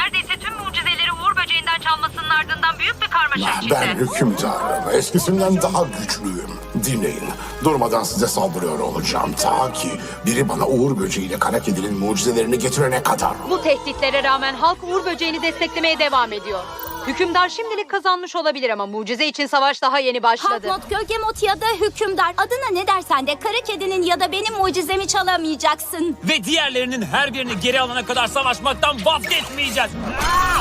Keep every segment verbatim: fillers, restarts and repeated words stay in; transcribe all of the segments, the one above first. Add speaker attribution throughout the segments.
Speaker 1: neredeyse tüm mucizeleri Uğur böceğinden çalmasının ardından büyük bir karmaşa
Speaker 2: Ben
Speaker 1: içinde.
Speaker 2: hükümdarım. Eskisinden daha güçlüyüm. Dinleyin. Durmadan size saldırıyor olacağım. Ta ki biri bana Uğur böceğiyle kara kedinin mucizelerini getirene kadar.
Speaker 3: Bu tehditlere rağmen halk Uğur böceğini desteklemeye devam ediyor. Hükümdar şimdilik kazanmış olabilir ama mucize için savaş daha yeni başladı.
Speaker 4: Halkmot, Gölgemot ya da hükümdar. Adına ne dersen de kara kedinin ya da benim mucizemi çalamayacaksın.
Speaker 5: Ve diğerlerinin her birini geri alana kadar savaşmaktan vazgeçmeyeceğiz. Ah!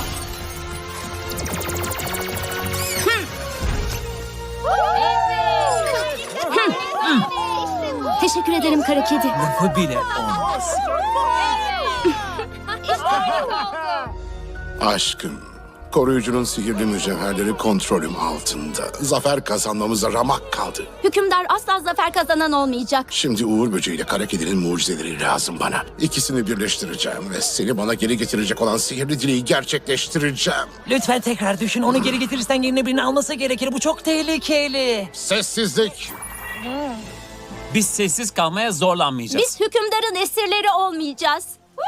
Speaker 4: Teşekkür ederim kara kedi.
Speaker 5: Lafı bile olmaz.
Speaker 2: Aşkım. Koruyucunun sihirli mücevherleri kontrolüm altında. Zafer kazanmamıza ramak kaldı.
Speaker 4: Hükümdar asla zafer kazanan olmayacak.
Speaker 2: Şimdi Uğur böceğiyle kara kedinin mucizeleri lazım bana. İkisini birleştireceğim ve seni bana geri getirecek olan sihirli dileği gerçekleştireceğim.
Speaker 5: Lütfen tekrar düşün. Onu geri getirirsen yerine birini alması gerekir. Bu çok tehlikeli.
Speaker 2: Sessizlik.
Speaker 5: Biz sessiz kalmaya zorlanmayacağız.
Speaker 4: Biz hükümdarın esirleri olmayacağız.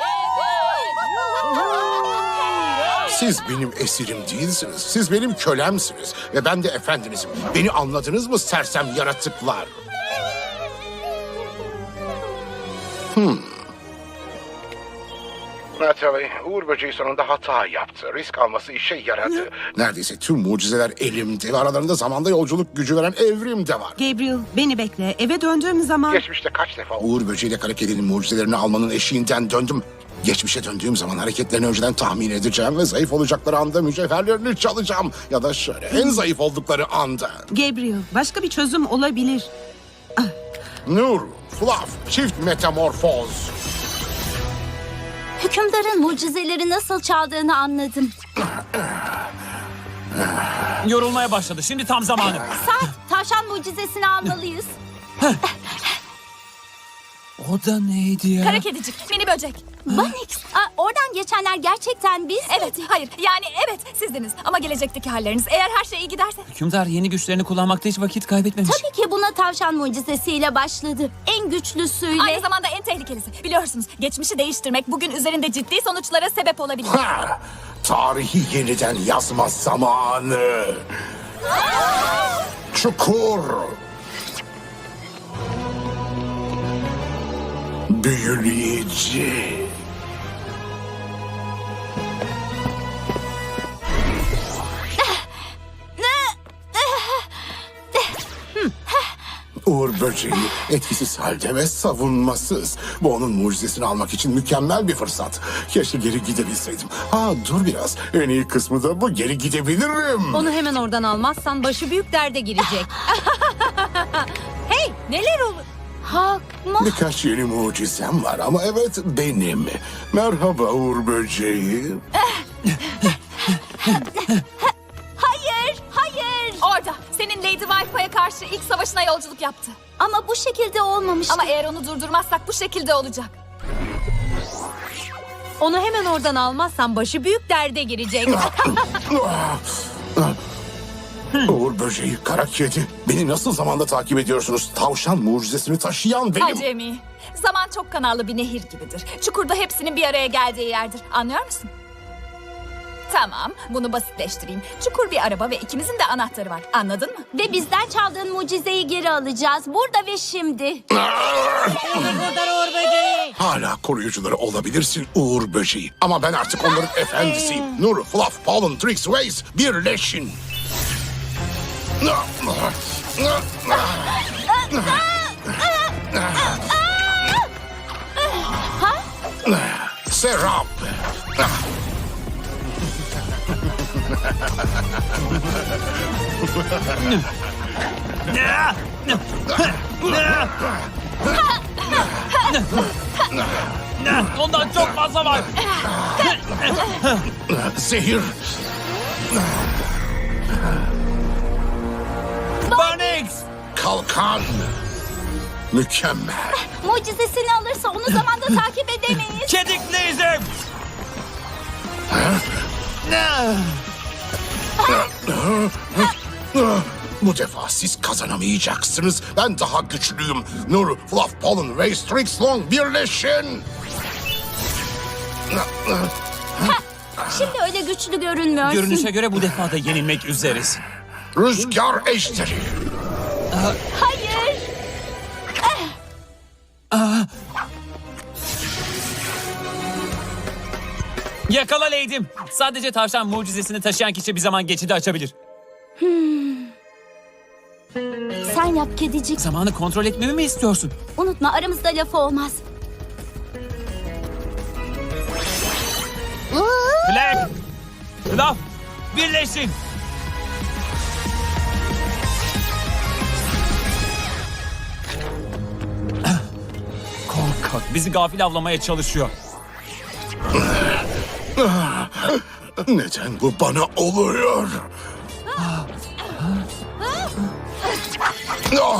Speaker 2: Siz benim esirim değilsiniz. Siz benim kölemsiniz. Ve ben de efendinizim. Beni anladınız mı sersem yaratıklar? Hmm. Natalie, Uğur böceği sonunda hata yaptı. Risk alması işe yaradı. Neredeyse tüm mucizeler elimde ve aralarında zamanda yolculuk gücü veren evrim de var.
Speaker 6: Gabriel, beni bekle. Eve döndüğüm zaman...
Speaker 2: Geçmişte kaç defa Uğur böceğiyle kara kedinin mucizelerini almanın eşiğinden döndüm. Geçmişe döndüğüm zaman hareketlerini önceden tahmin edeceğim ve zayıf olacakları anda mücevherlerini çalacağım. Ya da şöyle en zayıf oldukları anda.
Speaker 6: Gabriel, başka bir çözüm olabilir.
Speaker 2: Nur, Fluff, çift metamorfoz.
Speaker 4: Hükümdarın mucizeleri nasıl çaldığını anladım.
Speaker 5: Yorulmaya başladı. Şimdi tam zamanı.
Speaker 4: Saat, tavşan mucizesini almalıyız.
Speaker 5: O da neydi ya?
Speaker 7: Kara kedicik, mini böcek.
Speaker 4: Banix, aa, oradan geçenler gerçekten biz
Speaker 7: Evet, hayır. Yani evet sizdiniz. Ama gelecekteki halleriniz eğer her şey iyi giderse.
Speaker 5: Hükümdar yeni güçlerini kullanmakta hiç vakit kaybetmemiş.
Speaker 4: Tabii ki buna tavşan mucizesiyle başladı. En güçlüsüyle.
Speaker 7: Aynı zamanda en tehlikelisi. Biliyorsunuz geçmişi değiştirmek bugün üzerinde ciddi sonuçlara sebep olabilir.
Speaker 2: Ha, tarihi yeniden yazma zamanı. Çukur. Büyüleyici. Uğur böceği etkisiz halde ve savunmasız. Bu onun mucizesini almak için mükemmel bir fırsat. Keşke geri gidebilseydim. Ha dur biraz. En iyi kısmı da bu, geri gidebilirim.
Speaker 3: Onu hemen oradan almazsan başı büyük derde girecek. Hey, neler olur?
Speaker 4: Hakma.
Speaker 2: Birkaç yeni mucizem var ama evet benim. Merhaba Uğur böceği.
Speaker 4: Hayır, hayır.
Speaker 7: Orada senin Lady Wi-Fi'ye karşı ilk savaşına yolculuk yaptı.
Speaker 4: Ama bu şekilde olmamıştı.
Speaker 7: Ama eğer onu durdurmazsak bu şekilde olacak.
Speaker 3: Onu hemen oradan almazsan başı büyük derde girecek.
Speaker 2: Uğur böceği, kara kedi. Beni nasıl zamanda takip ediyorsunuz? Tavşan mucizesini taşıyan benim.
Speaker 7: Acemi. Zaman çok kanallı bir nehir gibidir. Çukurda hepsinin bir araya geldiği yerdir. Anlıyor musun? Tamam, bunu basitleştireyim. Çukur bir araba ve ikimizin de anahtarı var. Anladın mı?
Speaker 4: Ve bizden çaldığın mucizeyi geri alacağız. Burada ve şimdi.
Speaker 2: Hala koruyucuları olabilirsin Uğur böceği. Ama ben artık onların efendisiyim. Nur, Fluff, Pollen, Trix, Waze birleşin. Serap.
Speaker 5: Ondan çok fazla var.
Speaker 2: Zehir.
Speaker 5: Banix!
Speaker 2: Kalkan. Mükemmel.
Speaker 4: Mucizesini alırsa onu zamanda takip edemeyiz.
Speaker 5: Kedikliyizim!
Speaker 2: Bu defa siz kazanamayacaksınız. Ben daha güçlüyüm. Nur, Fluff, Pollen, Waze, Trix, Long birleşin.
Speaker 4: Şimdi öyle güçlü görünmüyorsun.
Speaker 5: Görünüşe göre bu defa da yenilmek üzeresin.
Speaker 2: Rüzgar ejderi.
Speaker 4: Hayır.
Speaker 5: Yakala Lady'm. Sadece tavşan mucizesini taşıyan kişi bir zaman geçidi açabilir.
Speaker 4: Sen yap kedicik.
Speaker 5: Zamanı kontrol etmemi mi istiyorsun?
Speaker 4: Unutma aramızda lafı olmaz.
Speaker 5: Black! Laf! Birleşin! Korkak bizi gafil avlamaya çalışıyor.
Speaker 2: Neden bu bana oluyor? Ah!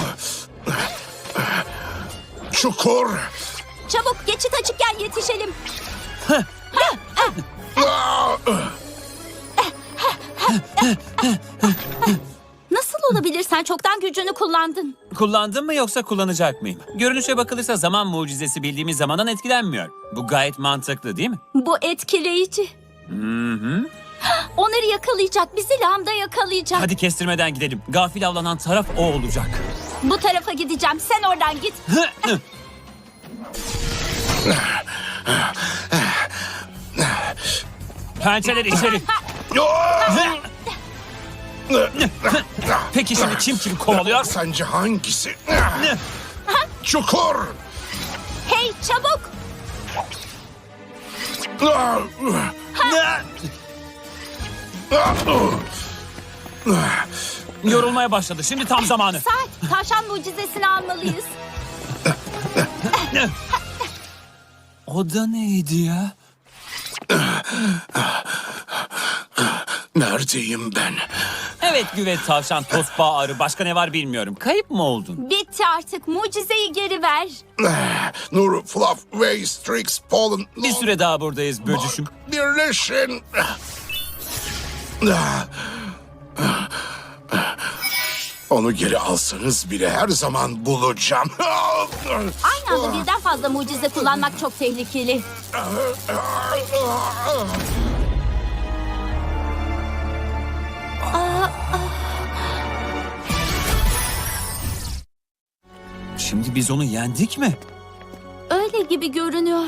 Speaker 2: Çukur.
Speaker 4: Çabuk geçit açıkken yetişelim.
Speaker 2: Ah!
Speaker 4: Nasıl olabilir? Sen çoktan gücünü kullandın.
Speaker 5: Kullandın mı yoksa kullanacak mıyım? Görünüşe bakılırsa zaman mucizesi bildiğimiz zamandan etkilenmiyor. Bu gayet mantıklı değil mi?
Speaker 4: Bu etkileyici.
Speaker 5: Hı hı.
Speaker 4: Onları yakalayacak. Bizi lambda yakalayacak.
Speaker 5: Hadi kestirmeden gidelim. Gafil avlanan taraf o olacak.
Speaker 4: Bu tarafa gideceğim. Sen oradan git.
Speaker 5: Pençeler içeri. Peki şimdi kim kimi kovalıyor?
Speaker 2: Sence hangisi? Çukur.
Speaker 4: Hey çabuk.
Speaker 2: Ah!
Speaker 5: Yorulmaya başladı. Şimdi tam zamanı.
Speaker 4: Saat. Tavşan mucizesini almalıyız.
Speaker 5: O da neydi ya?
Speaker 2: Neredeyim ben?
Speaker 5: Evet güvet tavşan, tosbağa arı. Başka ne var bilmiyorum. Kayıp mı oldun?
Speaker 4: Bitti artık. Mucizeyi geri ver.
Speaker 2: Nur, Fluff, Way, Strix, Pollen,
Speaker 5: Bir süre daha buradayız böcüşüm.
Speaker 2: birleşin. Onu geri alsanız bile her zaman bulacağım.
Speaker 4: Aynı anda birden fazla mucize kullanmak çok tehlikeli.
Speaker 5: Şimdi biz onu yendik mi?
Speaker 4: Öyle gibi görünüyor.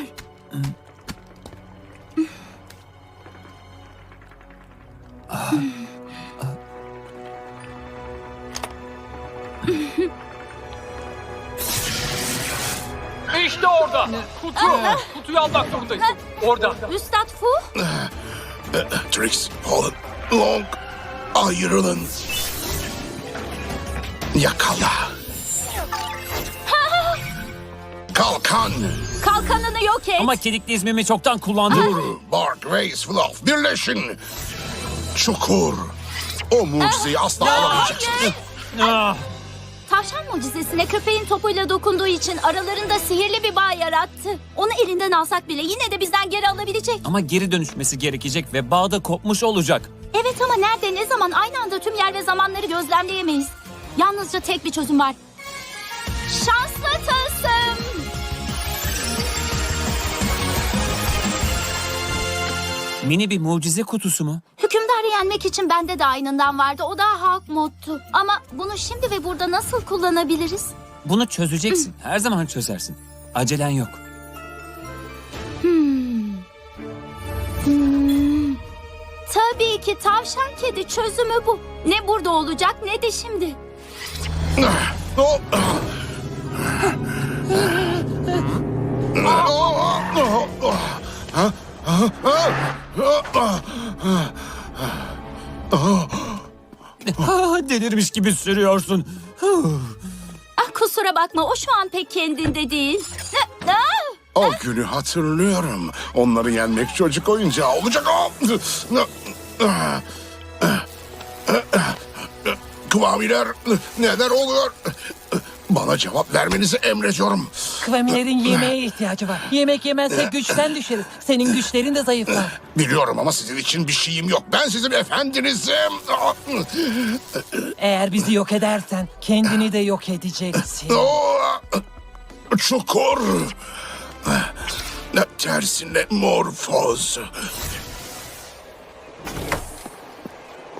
Speaker 8: İşte orada. Kutu. Kutuyu almak zorundayız. Orada.
Speaker 4: Üstad Fu.
Speaker 2: Trix, Pollen, Long, ayrılın. Yakala. Kalkan.
Speaker 4: Kalkanını yok et.
Speaker 5: Ama kedikli izmimi çoktan kullandım.
Speaker 2: Nur, Bark, Ways, Fluff, birleşin. Çukur. O mucizeyi asla alamayacaksın.
Speaker 5: Ah,
Speaker 4: Tavşan mucizesine köpeğin topuyla dokunduğu için aralarında sihirli bir bağ yarattı. Onu elinden alsak bile yine de bizden geri alabilecek.
Speaker 5: ama geri dönüşmesi gerekecek ve bağda kopmuş olacak.
Speaker 4: Evet ama nerede ne zaman aynı anda tüm yer ve zamanları gözlemleyemeyiz. Yalnızca tek bir çözüm var. Şanslı tılsım.
Speaker 5: Mini bir mucize kutusu mu?
Speaker 4: Hükümdarı yenmek için bende de aynından vardı. O da halk moddu. Ama bunu şimdi ve burada nasıl kullanabiliriz?
Speaker 5: Bunu çözeceksin. Her zaman çözersin. Acelen yok.
Speaker 4: Hmm. Tabii ki tavşan kedi çözümü bu. Ne burada olacak ne de şimdi.
Speaker 2: Oh.
Speaker 5: Ah, delirmiş gibi sürüyorsun.
Speaker 4: Ah, kusura bakma o şu an pek kendinde değil. Ne? Ah!
Speaker 2: O günü hatırlıyorum. Onları yenmek çocuk oyuncağı olacak. Kıvamiler neler oluyor? Bana cevap vermenizi emrediyorum.
Speaker 9: Kıvamilerin yemeğe ihtiyacı var. Yemek yemezse güçten düşeriz. Senin güçlerin de zayıflar.
Speaker 2: Biliyorum ama sizin için bir şeyim yok. Ben sizin efendinizim.
Speaker 9: Eğer bizi yok edersen kendini de yok edeceksin.
Speaker 2: Çukur. Tersine morfoz.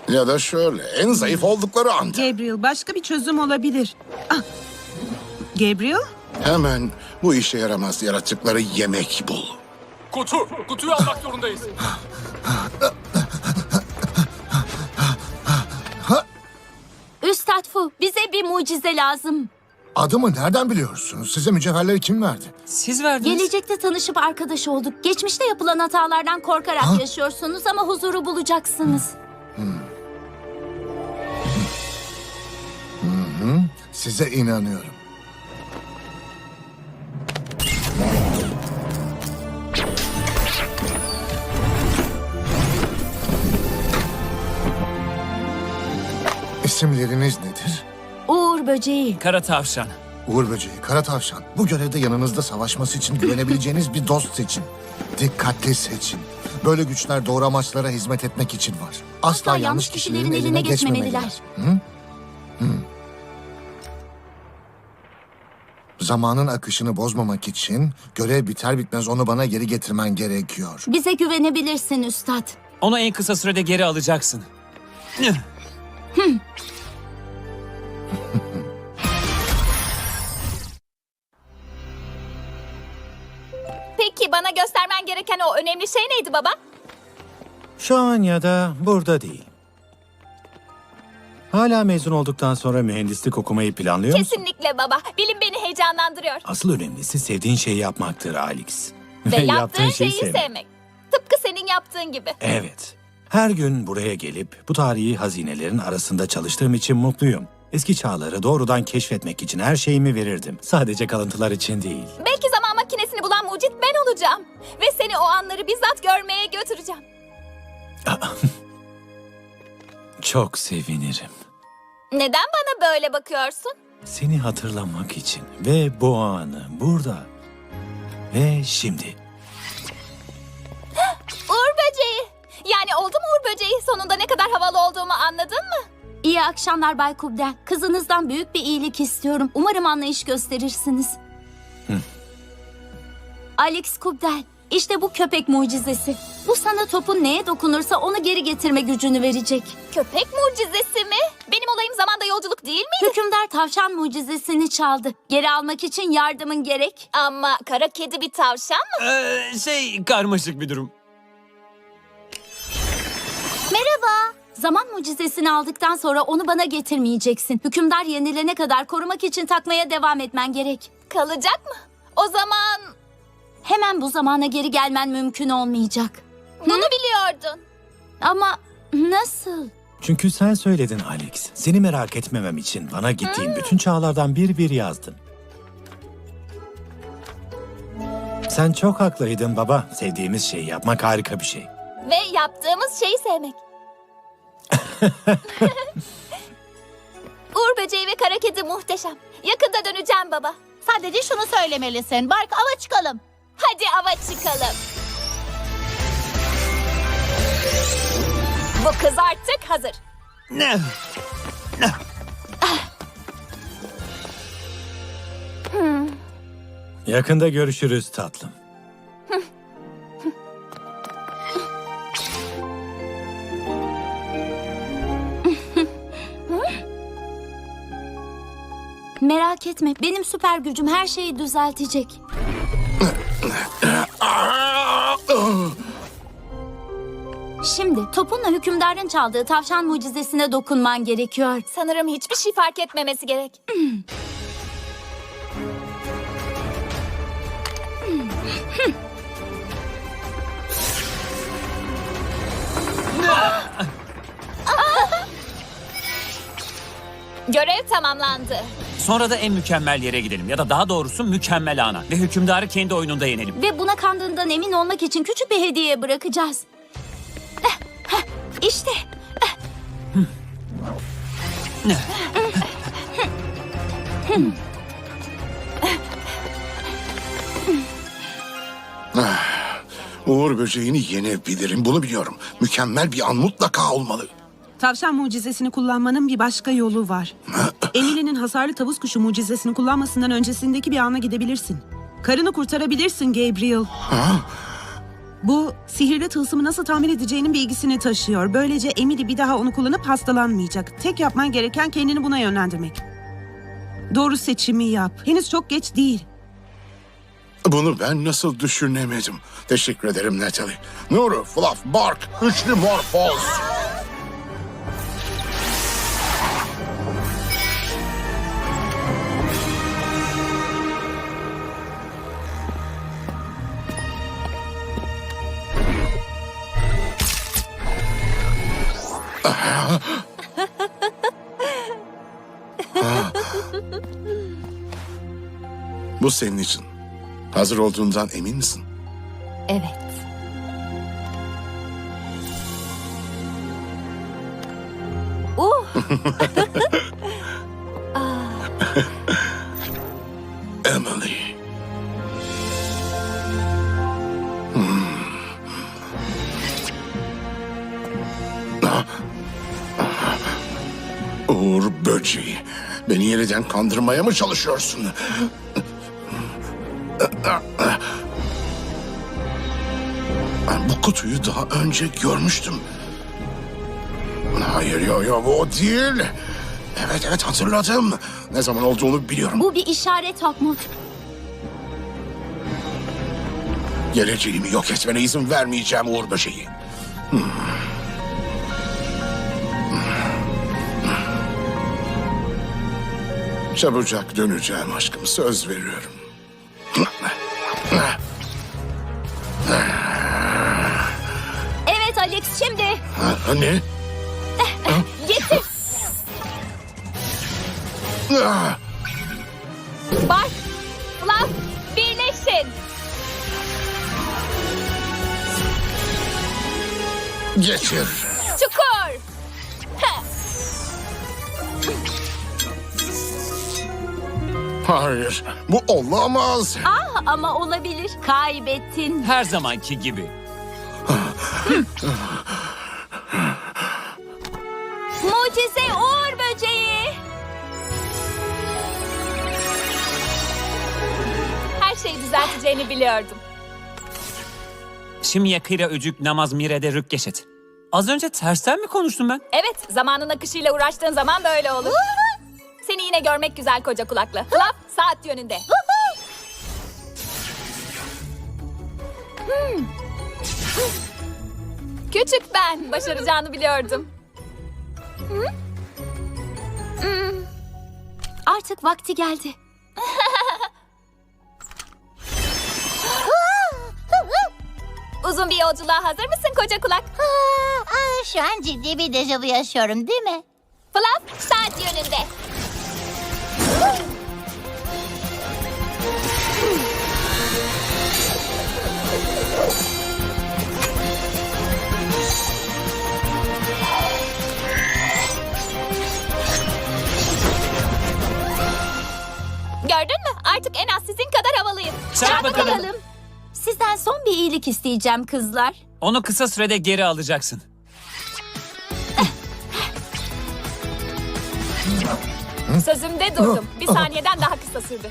Speaker 2: Ya da şöyle, en zayıf oldukları anda.
Speaker 6: Gabriel, başka bir çözüm olabilir. Ah. Gabriel?
Speaker 2: Hemen bu işe yaramaz yaratıkları yemek bul.
Speaker 8: Kutu. Kutuyu almak zorundayız.
Speaker 4: Üstad Fu, bize bir mucize lazım.
Speaker 2: Adımı nereden biliyorsunuz? Size mücevherleri kim verdi?
Speaker 5: Siz verdiniz.
Speaker 4: Gelecekte tanışıp arkadaş olduk. Geçmişte yapılan hatalardan korkarak yaşıyorsunuz ama huzuru bulacaksınız.
Speaker 2: Size inanıyorum. İsimleriniz nedir?
Speaker 4: Uğur böceği.
Speaker 5: Kara tavşan.
Speaker 2: Uğur Böceği, Kara Tavşan. Bu görevde yanınızda savaşması için güvenebileceğiniz bir dost seçin. Dikkatli seçin. Böyle güçler doğru amaçlara hizmet etmek için var. Asla, yanlış kişilerin eline geçmemeliler. Hı? Hı. Zamanın akışını bozmamak için görev biter bitmez onu bana geri getirmen gerekiyor.
Speaker 4: Bize güvenebilirsin üstad.
Speaker 5: Onu en kısa sürede geri alacaksın.
Speaker 7: Peki bana göstermen gereken o önemli şey neydi baba?
Speaker 10: Şu an ya da burada değil. Hala mezun olduktan sonra mühendislik okumayı planlıyor musun?
Speaker 7: Kesinlikle baba. Bilim beni heyecanlandırıyor.
Speaker 10: Asıl önemlisi sevdiğin şeyi yapmaktır Alex.
Speaker 7: Ve yaptığın şeyi
Speaker 10: sevmek.
Speaker 7: sevmek. Tıpkı senin yaptığın gibi.
Speaker 10: Evet. Her gün buraya gelip bu tarihi hazinelerin arasında çalıştığım için mutluyum. Eski çağları doğrudan keşfetmek için her şeyimi verirdim. Sadece kalıntılar için değil.
Speaker 7: Belki zaman makinesini bulan mucit ben olacağım. Ve seni o anları bizzat görmeye götüreceğim.
Speaker 10: Çok sevinirim.
Speaker 7: Neden bana böyle bakıyorsun?
Speaker 10: Seni hatırlamak için ve bu anı burada ve şimdi.
Speaker 7: Uğur böceği. Yani oldu mu Uğur böceği? Sonunda ne kadar havalı olduğumu anladın mı?
Speaker 4: İyi akşamlar Bay Kubdel. Kızınızdan büyük bir iyilik istiyorum. Umarım anlayış gösterirsiniz. Alex Kubdel, işte bu köpek mucizesi. Bu sana topun neye dokunursa onu geri getirme gücünü verecek.
Speaker 7: Köpek mucizesi mi? Benim olayım zamanda yolculuk değil miydi?
Speaker 4: Hükümdar tavşan mucizesini çaldı. Geri almak için yardımın gerek.
Speaker 7: Ama kara kedi bir tavşan mı?
Speaker 5: Ee, şey karmaşık bir durum.
Speaker 4: Merhaba. Zaman mucizesini aldıktan sonra onu bana getirmeyeceksin. Hükümdar yenilene kadar korumak için takmaya devam etmen gerek.
Speaker 7: Kalacak mı? O zaman
Speaker 4: Hemen bu zamana geri gelmen mümkün olmayacak.
Speaker 7: bunu biliyordun.
Speaker 4: Ama nasıl?
Speaker 10: Çünkü sen söyledin Alex. Seni merak etmemem için bana gittiğin bütün çağlardan bir bir yazdın. Sen çok haklıydın baba. Sevdiğimiz şeyi yapmak harika bir şey.
Speaker 7: Ve yaptığımız şeyi sevmek. Uğur böceği ve kara kedi muhteşem. Yakında döneceğim baba.
Speaker 4: Sadece şunu söylemelisin. Bark ava çıkalım.
Speaker 7: Hadi ava çıkalım. Bu kız artık hazır.
Speaker 5: Ne?
Speaker 10: Yakında görüşürüz tatlım.
Speaker 4: Merak etme. Benim süper gücüm her şeyi düzeltecek. Şimdi topunla hükümdarın çaldığı tavşan mucizesine dokunman gerekiyor.
Speaker 7: Sanırım hiçbir şey fark etmemesi gerek. Görev tamamlandı.
Speaker 5: Sonra da en mükemmel yere gidelim. Ya da daha doğrusu mükemmel ana. Ve hükümdarı kendi oyununda yenelim.
Speaker 4: Ve buna kandığından emin olmak için küçük bir hediye bırakacağız. Eh, heh, İşte.
Speaker 2: Uğur böceğini yenebilirim, bunu biliyorum. Mükemmel bir an mutlaka olmalı.
Speaker 6: Tavşan mucizesini kullanmanın bir başka yolu var. Emily'nin hasarlı tavus kuşu mucizesini kullanmasından öncesindeki bir ana gidebilirsin. Karını kurtarabilirsin Gabriel. Bu sihirli tılsımı nasıl tamir edeceğinin bilgisini taşıyor. Böylece Emily bir daha onu kullanıp hastalanmayacak. Tek yapman gereken kendini buna yönlendirmek. Doğru seçimi yap. Henüz çok geç değil.
Speaker 2: Bunu ben nasıl düşünemedim? Teşekkür ederim Natalie. Nuru, Fluff, Bark, üçlü morfoz. Bu senin için. Hazır olduğundan emin misin?
Speaker 7: Evet. Uh.
Speaker 2: Emily. Hmm. Ah. Uğur böceği. Beni yeniden kandırmaya mı çalışıyorsun? Bu kutuyu daha önce görmüştüm. Hayır, yo yo bu o değil. Evet evet hatırladım. Ne zaman olduğunu biliyorum.
Speaker 4: Bu bir işaret Hawkmoth.
Speaker 2: Geleceğimi yok etmene izin vermeyeceğim Uğur böceği. Hmm. Çabucak döneceğim aşkım, söz veriyorum.
Speaker 4: Evet Alex, şimdi.
Speaker 2: Ha, ne?
Speaker 4: Getir.
Speaker 2: Ah,
Speaker 7: Bark, Fluff, birleşin.
Speaker 2: Geçir.
Speaker 7: Çukur. Heh.
Speaker 2: Hayır, bu olamaz.
Speaker 4: Ah, ama olabilir. Kaybettin.
Speaker 5: Her zamanki gibi.
Speaker 4: Mucize Uğur böceği.
Speaker 7: Her şeyi düzelteceğini biliyordum.
Speaker 5: Şimdi yakıyla öcük namaz mirede rükkeşet. Az önce tersten mi konuştum ben?
Speaker 7: Evet, zamanın akışıyla uğraştığın zaman böyle olur. Seni yine görmek güzel koca kulaklı. Fluff, saat yönünde. Hmm. Küçük ben, başaracağını biliyordum.
Speaker 4: Artık vakti geldi.
Speaker 7: Uzun bir yolculuğa hazır mısın koca kulak?
Speaker 4: Şu an ciddi bir dejavu yaşıyorum, değil mi?
Speaker 7: Fluff, saat yönünde. Gördün mü? Artık en az sizin kadar havalıyım.
Speaker 5: Çarp bakalım.
Speaker 4: Sizden son bir iyilik isteyeceğim kızlar.
Speaker 5: Onu kısa sürede geri alacaksın.
Speaker 7: Sözümde durdum. Bir saniyeden daha kısa sürdü.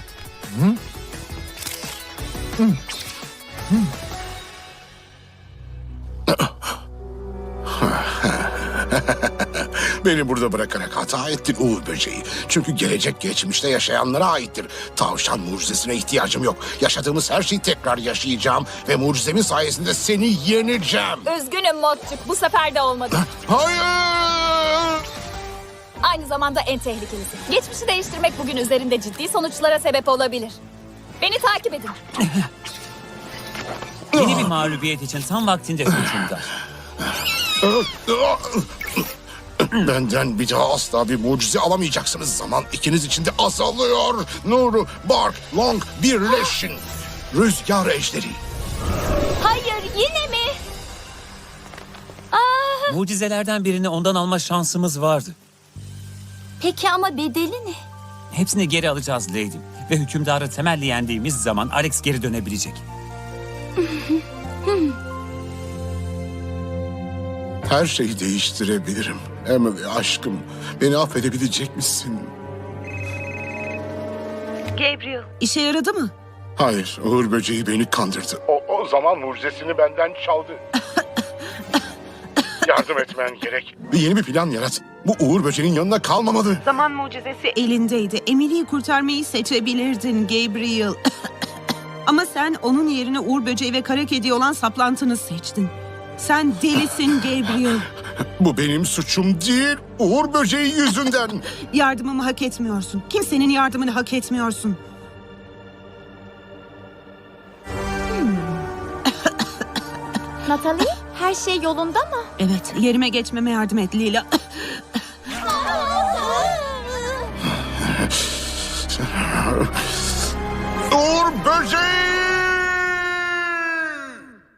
Speaker 2: Beni burada bırakarak hata ettin Uğur böceği. Çünkü gelecek geçmişte yaşayanlara aittir. Tavşan mucizesine ihtiyacım yok. Yaşadığımız her şeyi tekrar yaşayacağım ve mucizemin sayesinde seni yeneceğim.
Speaker 7: Üzgünüm Motçuk. Bu sefer de olmadı.
Speaker 2: Hayır!
Speaker 7: Aynı zamanda en tehlikelisi. Geçmişi değiştirmek bugün üzerinde ciddi sonuçlara sebep olabilir. Beni takip edin.
Speaker 5: Yeni bir mağlubiyet için tam vaktinde hükümdar.
Speaker 2: Benden bir daha asla bir mucize alamayacaksınız. Zaman ikiniz için de azalıyor. Nuru, Bark, Long birleşin. Rüzgar ejderi.
Speaker 4: Hayır, yine mi?
Speaker 5: Mucizelerden birini ondan alma şansımız vardı.
Speaker 4: Peki ama bedeli ne?
Speaker 5: Hepsini geri alacağız Lady. Ve hükümdarı temelli yendiğimiz zaman Alex geri dönebilecek.
Speaker 2: Her şeyi değiştirebilirim. Emily aşkım, beni affedebilecek misin?
Speaker 3: Gabriel.
Speaker 6: İşe yaradı mı?
Speaker 2: Hayır, Uğur böceği beni kandırdı. O, o, O zaman mucizesini benden çaldı. Yardım etmen gerek. Bir yeni bir plan yarat. Bu Uğur Böceği'nin yanında kalmamalı.
Speaker 6: Zaman mucizesi elindeydi. Emily'yi kurtarmayı seçebilirdin Gabriel. Ama sen onun yerine Uğur Böceği ve kara kedi olan saplantını seçtin. Sen delisin Gabriel.
Speaker 2: Bu benim suçum değil. Uğur Böceği yüzünden.
Speaker 6: Yardımımı hak etmiyorsun. Kimsenin yardımını hak etmiyorsun.
Speaker 4: Natalie, her şey yolunda mı?
Speaker 6: Evet, yerime geçmeme yardım et Lila.
Speaker 2: Uğur Böceği!